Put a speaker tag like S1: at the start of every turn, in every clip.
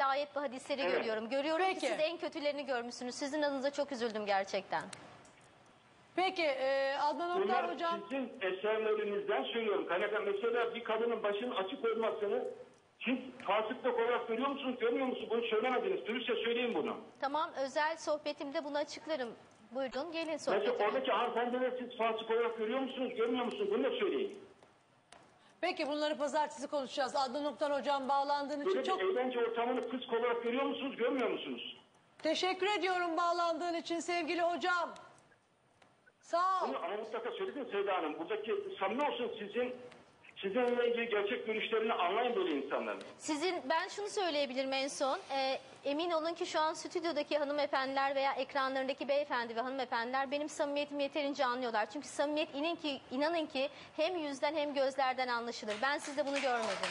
S1: böyle ayet ve hadisleri
S2: Evet.
S1: görüyorum. Görüyorum
S3: Peki.
S1: ki siz en kötülerini görmüşsünüz. Sizin adınıza çok üzüldüm gerçekten.
S3: Peki Adnan Oktar
S2: Bunlar
S3: hocam.
S2: sizin eserlerinizden söylüyorum. Kaynaklar mesela bir kadının başının açık olmasını siz fasıklık olarak görüyor musunuz, görmüyor musunuz? Bunu söylemediniz. Dürüstçe söyleyin bunu.
S1: Tamam, özel sohbetimde bunu açıklarım. Buyurun gelin
S2: Mesela
S1: sohbetime.
S2: oradaki hanımefendileri siz fasık olarak görüyor musunuz, görmüyor musunuz? Bunu da söyleyin.
S3: Peki bunları pazartesi konuşacağız. Adnan Oktar hocam bağlandığın için
S2: Böyle
S3: çok
S2: bir eğlence ortamını fısk olarak görüyor musunuz, görmüyor musunuz?
S3: teşekkür ediyorum bağlandığın için sevgili hocam. Sağ ol.
S2: Bunu ama mutlaka söyledin Seyda Hanım. Buradaki samimi olsun sizinle ilgili gerçek görüşlerini anlayın böyle insanların.
S1: Ben şunu söyleyebilirim en son. Emin olun ki şu an stüdyodaki hanımefendiler veya ekranlarındaki beyefendi ve hanımefendiler benim samimiyetimi yeterince anlıyorlar. Çünkü samimiyet inanın ki hem yüzden hem gözlerden anlaşılır. Ben sizde bunu görmedim.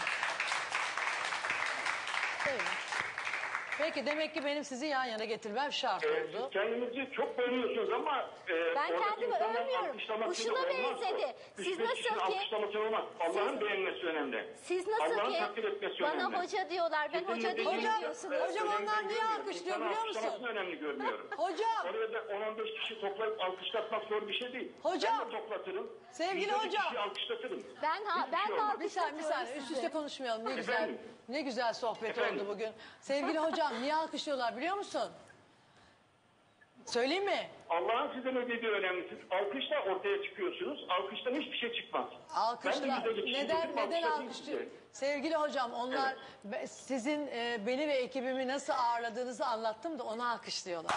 S1: Öyle.
S3: Peki demek ki benim sizi yan yana getirmem şart oldu.
S2: Siz kendinizi çok beğeniyorsunuz ama
S1: Ben
S2: oradaki
S1: kendimi
S2: insanların
S1: övmüyorum.
S2: alkışlamasıyla
S1: Kuşuna
S2: olmaz.
S1: benzedi.
S2: Üç
S1: Siz
S2: beş
S1: nasıl
S2: kişinin
S1: ki-
S2: alkışlaması olmaz. Allah'ın beğenmesi önemli.
S1: Siz nasıl
S2: Allah'ın
S1: ki
S2: takdir etmesi
S1: bana
S2: önemli.
S1: hoca diyorlar, ben hoca
S2: Kesinlikle
S1: değilim
S3: Hocam,
S1: diyorsunuz.
S3: hocam onlar niye alkışlıyor
S2: İnsanın
S3: biliyor musun?
S2: alkışlamasını önemli görmüyorum.
S3: Hocam.
S2: Oraya da 10-15 kişi toplayıp alkışlatmak zor bir şey değil.
S3: Hocam.
S2: Ben de toplatırım.
S3: Sevgili
S2: 100
S3: hocam.
S2: kişi alkışlatırım.
S1: Ben
S2: Hiçbir şey
S1: de
S2: olmaz.
S3: Bir saniye
S1: alkışlatıyorum
S3: üst
S1: sizi.
S3: üste konuşmayalım. Ne güzel
S2: Efendim?
S3: ne güzel sohbet
S2: Efendim?
S3: oldu bugün. Sevgili hocam niye alkışlıyorlar biliyor musun? Söyleyeyim mi?
S2: Allah'ın size ne dediği önemli. Siz alkışla ortaya çıkıyorsunuz. Alkıştan hiçbir şey çıkmaz.
S3: Alkışla.
S2: Ben de yüzde geçişim
S3: Neden
S2: dedim, alkışlatayım
S3: alkışlıyor?
S2: size.
S3: Sevgili hocam onlar sizin beni ve ekibimi nasıl ağırladığınızı anlattım da onu alkışlıyorlar.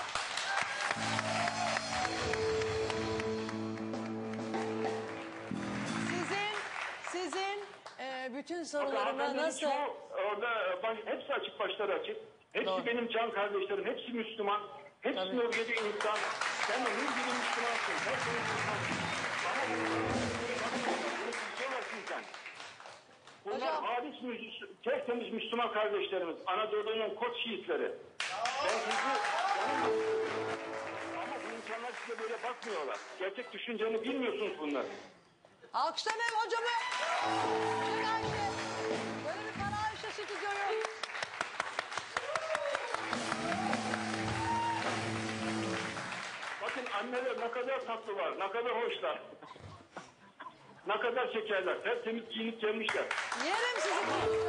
S3: Sizin bütün sorularıma
S2: Hanımefendinin
S3: nasıl...
S2: çoğu orada hepsi açık, başları açık. Hepsi
S3: Doğru.
S2: benim can kardeşlerim. Hepsi Müslüman. Hepsi
S3: Tabii.
S2: Nuriye'de insan. Sen de nur gibi Müslümansın. Hepsi Müslüman. Bana sizden. Bunlar
S3: Hocam.
S2: halis, tertemiz Müslüman kardeşlerimiz. Anadolu'nun koç şiitleri. Ben sizi... Ama bu insanlar size böyle bakmıyorlar. Gerçek düşünceni bilmiyorsunuz bunları.
S3: Alkışlamayın hocamı. Çek Ayşe. Böyle bir para Ayşe stüdyoyu.
S2: Bakın anneler ne kadar tatlılar, ne kadar hoşlar. Ne kadar şekerler, tertemiz giyinip gelmişler.
S3: Yerim sizi.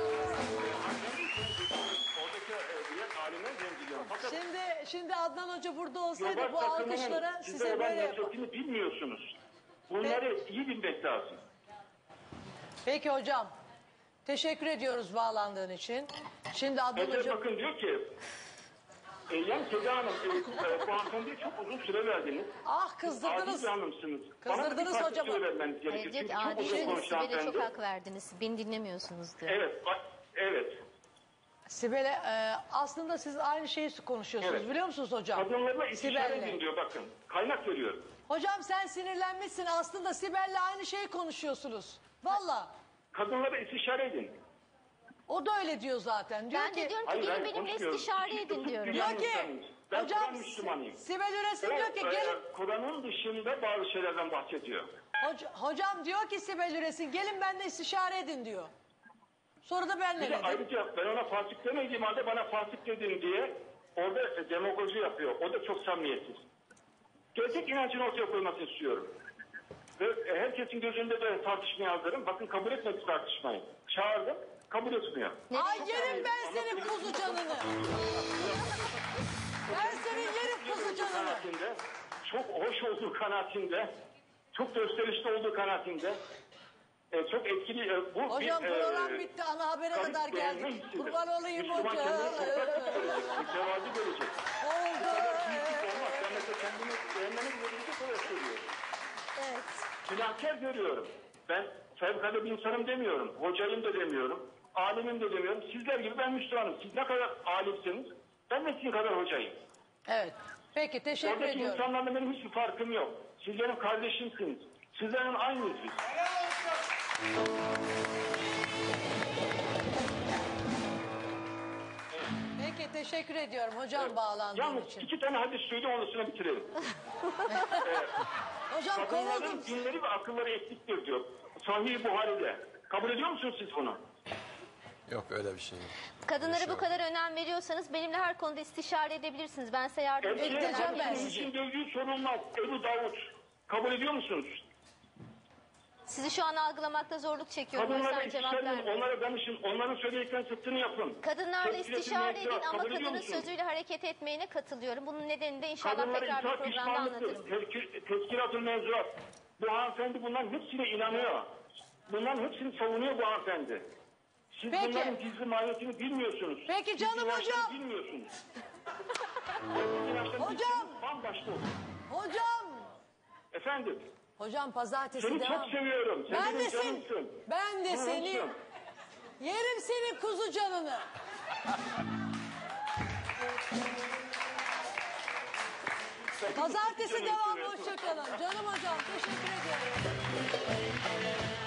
S2: Oradaki diğer alimler zemziliyor. Fakat
S3: Şimdi Adnan Hoca burada olsaydı
S2: Yobaz
S3: bu
S2: takımının
S3: alkışlara
S2: size
S3: size
S2: olan
S3: böyle yapar.
S2: nefretini bilmiyorsunuz. Bunları iyi bilmek lazım.
S3: Peki hocam. Teşekkür ediyoruz bağlandığın için. Şimdi Adnan
S2: Mesela
S3: Hoca...
S2: bakın diyor ki, yani Seda Hanım, bu hanımefendiye çok uzun süre verdiniz.
S3: Ah kızdırdınız.
S2: Adil bir hanımsınız.
S3: Kızdırdınız
S2: Bana bir parça
S3: hocamı.
S2: süre vermeniz
S1: Hayır,
S2: gerekiyor.
S1: diyor
S2: Çünkü
S1: ki
S2: çok uzun
S1: adilsiniz,
S2: konuştu
S1: Sibel'e çok
S2: hanımefendi.
S1: hak verdiniz. Beni dinlemiyorsunuz diyor.
S2: Evet, evet.
S3: Sibel'e aslında siz aynı şeyi konuşuyorsunuz
S2: Evet.
S3: biliyor musunuz hocam?
S2: Kadınlarla istişare
S3: Sibel'le.
S2: edin diyor bakın. Kaynak veriyorum.
S3: Hocam sen sinirlenmişsin aslında Sibel'le aynı şeyi konuşuyorsunuz. Valla.
S2: Kadınlara istişare edin.
S3: O da öyle diyor zaten. Diyor
S1: Ben
S3: ki,
S1: de diyorum ki
S2: Hayır,
S1: gelin
S2: hayır,
S1: benimle
S2: konuşmuyorum.
S1: istişare edin diyorum.
S3: diyor
S2: Ben
S3: ki
S2: insanım. Ben
S3: hocam
S2: Kur'an Müslümanıyım.
S3: Sibel Üresin diyor ki gelin.
S2: Kur'an'ın dışında bazı şeylerden bahsediyor.
S3: Hocam diyor ki Sibel Üresin gelin benimle istişare edin diyor. Sonra da ben ne
S2: Bir de
S3: dedim?
S2: ayrıca ben ona fasık demediğim halde bana fasık dedin diye orada demagoji yapıyor. O da çok samimiyetsiz. Gerçek inancını ortaya koymasını istiyorum. Ve herkesin gözünde de tartışmaya hazırım. Bakın kabul etmedi tartışmayı. Çağırdım, kabul etmiyor.
S3: Ay yerim ben senin kuzu canını. Ben senin yerim kuzu canını.
S2: Kanaatinde, çok hoş olduğu kanaatinde, çok gösterişli olduğu kanaatinde, çok etkili. Bu
S3: Hocam
S2: bir,
S3: program bitti ana habere
S2: garip
S3: kadar
S2: beğenme
S3: geldik.
S2: hissidir.
S3: Kurban olayım
S2: Müslüman
S3: hocam.
S2: kendini toprak görecek, mütevazi görecek.
S3: Oldu.
S2: Büyüklük olmaz. Ben mesela kendimi beğenmeni bile bilecek olarak söylüyorum.
S1: Evet.
S2: Günahkar görüyorum. Ben fevkalade bir insanım demiyorum. Hocayım da demiyorum. Alimim de demiyorum. Sizler gibi ben Müslümanım. Siz ne kadar alimsiniz, ben de sizin kadar hocayım.
S3: Evet. Peki teşekkür
S2: Oradaki
S3: ediyorum.
S2: insanlarla benim hiçbir farkım yok. Siz benim kardeşimsiniz. Sizlerin aynıyız biz.
S3: Peki teşekkür ediyorum hocam bağlandığın
S2: Yalnız
S3: için.
S2: 2 tane hadis söyleyeyim ondan sonra bitirelim.
S3: Hocam
S2: Kadınların
S3: kovuldum.
S2: dinleri ve akılları eksiktir diyor. Sahih-i Buhari'de. Kabul ediyor musunuz siz bunu?
S4: Yok öyle bir şey yok.
S1: Kadınlara bu kadar önem veriyorsanız benimle her konuda istişare edebilirsiniz. Ben size yardımcı
S3: Edeceğim
S1: olacağım.
S3: ben.
S2: Hepimizin gördüğü sorulmaz. Ebu Davud. Kabul ediyor musunuz?
S1: Sizi şu an algılamakta zorluk çekiyorum. O
S2: Kadınlara
S1: yüzden cevap
S2: istişare edin,
S1: vermiyorum.
S2: onlara danışın, onların söylediklerinin zıttını yapın.
S1: Kadınlarla
S2: Tepkilerini
S1: istişare edin
S2: mevzuat,
S1: ama
S2: kabul ediyor
S1: kadının
S2: musun?
S1: sözüyle hareket etmeyene katılıyorum. Bunun nedenini de inşallah
S2: Kadınlara
S1: tekrar bir
S2: itaat
S1: programda anlatırım.
S2: pişmanlıktır. Teşkilat-ı mevzuat. Bu hanımefendi bunların hepsine inanıyor. Bunların hepsini savunuyor bu hanımefendi. Siz
S3: Peki.
S2: bunların gizli mahiyetini bilmiyorsunuz.
S3: Peki
S2: Siz
S3: canım
S2: inançlarını
S3: hocam.
S2: Bilmiyorsunuz. İnançlarını
S3: Hocam.
S2: bilseniz bambaşka olur.
S3: Hocam.
S2: Efendim,
S3: Hocam pazartesi
S2: seni
S3: devam.
S2: çok seviyorum. Sen
S3: Ben de
S2: benim
S3: seni.
S2: canımsın.
S3: Ben de seni.
S2: Canımsın.
S3: Yerim senin kuzu canını. Pazartesi
S2: Canım
S3: devam.
S2: seviyorum.
S3: Hoşçakalın. Canım hocam teşekkür ediyorum.